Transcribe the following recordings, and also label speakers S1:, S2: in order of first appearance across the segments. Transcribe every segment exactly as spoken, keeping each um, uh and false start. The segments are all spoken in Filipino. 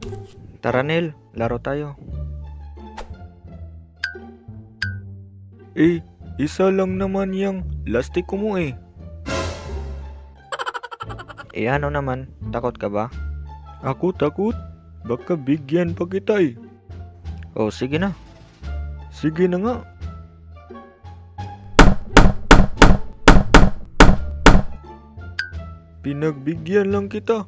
S1: Tara Neil, laro tayo.
S2: Eh, isa lang naman yung lastiko mo eh.
S1: Eh ano naman, takot ka ba?
S2: Ako takot. Baka bigyan pa kita eh.
S1: Oh sige na.
S2: Sige na nga. Pinagbigyan lang kita.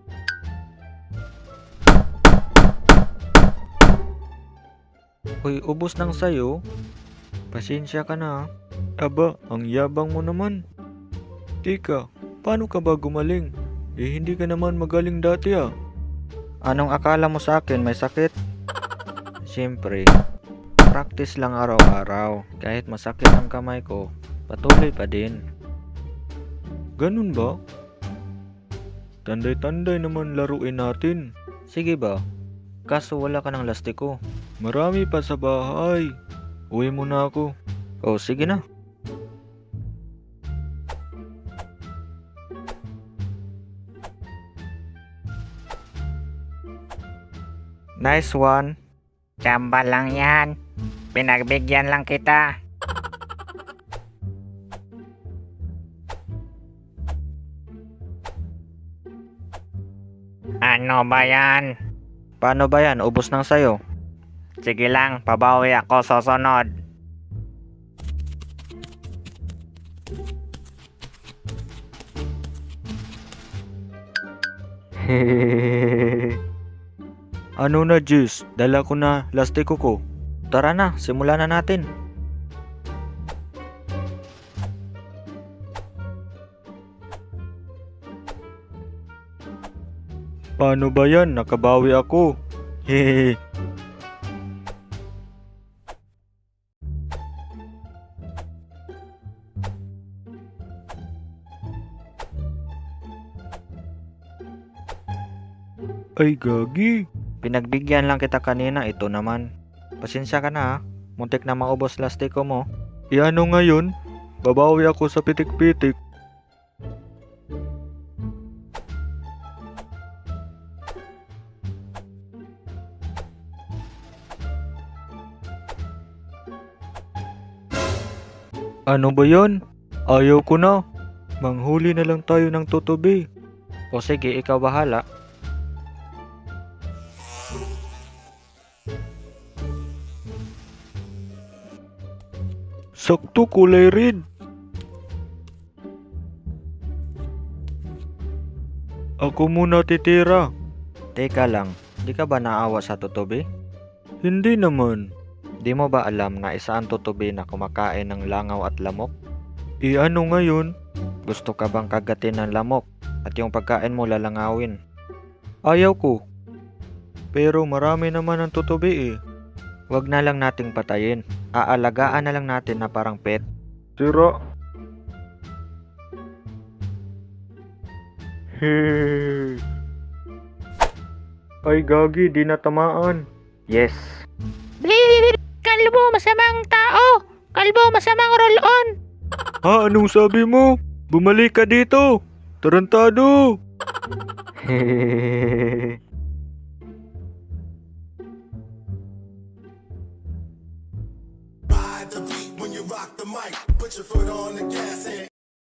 S1: Uy, ubos ng sayo. Pasensya ka na.
S2: Aba, ang yabang mo naman. Tika, paano ka ba gumaling? Eh hindi ka naman magaling dati ah.
S1: Anong akala mo sa akin, may sakit? Siyempre, practice lang araw-araw. Kahit masakit ang kamay ko, patuloy pa din.
S2: Ganun ba? Tanday-tanday naman laruin natin.
S1: Sige ba? Kaso wala ka ng lastiko.
S2: Marami pa sa bahay. Uwi muna ako.
S1: Oh sige na. Nice one.
S3: Tsamba lang yan. Pinagbigyan lang kita. Ano ba yan?
S1: Paano ba yan? Ubos ng sayo.
S3: Sige lang, pabawi ako sa sunod.
S2: Ano na Jis? Dala ko na lastiko ko.
S1: Tara na, simulan na natin.
S2: Paano ba yan? Nakabawi ako. Hehehe. Ay gagi.
S1: Pinagbigyan lang kita kanina, ito naman. Pasensya ka na ha. Muntik na maubos lastiko mo.
S2: E ano ngayon? Babawi ako sa pitik-pitik. Ano ba yan? Ayaw ko na. Manghuli na lang tayo ng tutubi.
S1: O sige, ikaw bahala.
S2: Sakto kulay red. Ako muna titira.
S1: Teka lang, di ka ba naawa sa tutubi?
S2: Hindi naman.
S1: Di mo ba alam na isa ang tutubi na kumakain ng langaw at lamok?
S2: E ano ngayon?
S1: Gusto ka bang kagatin ng lamok at yung pagkain mo lalangawin?
S2: Ayaw ko. Pero marami naman ang tutubi eh.
S1: Wag na lang nating patayin. Aalagaan na lang natin na parang pet.
S2: Tira. Hehehe. Ay gagi, di natamaan.
S1: Yes.
S3: Kalbo, masamang tao. Kalbo, masamang roll-on.
S2: Ha, anong sabi mo? Bumalik ka dito. Tarantado.
S4: Ride the beat when you rock the mic. Put your foot on the gas.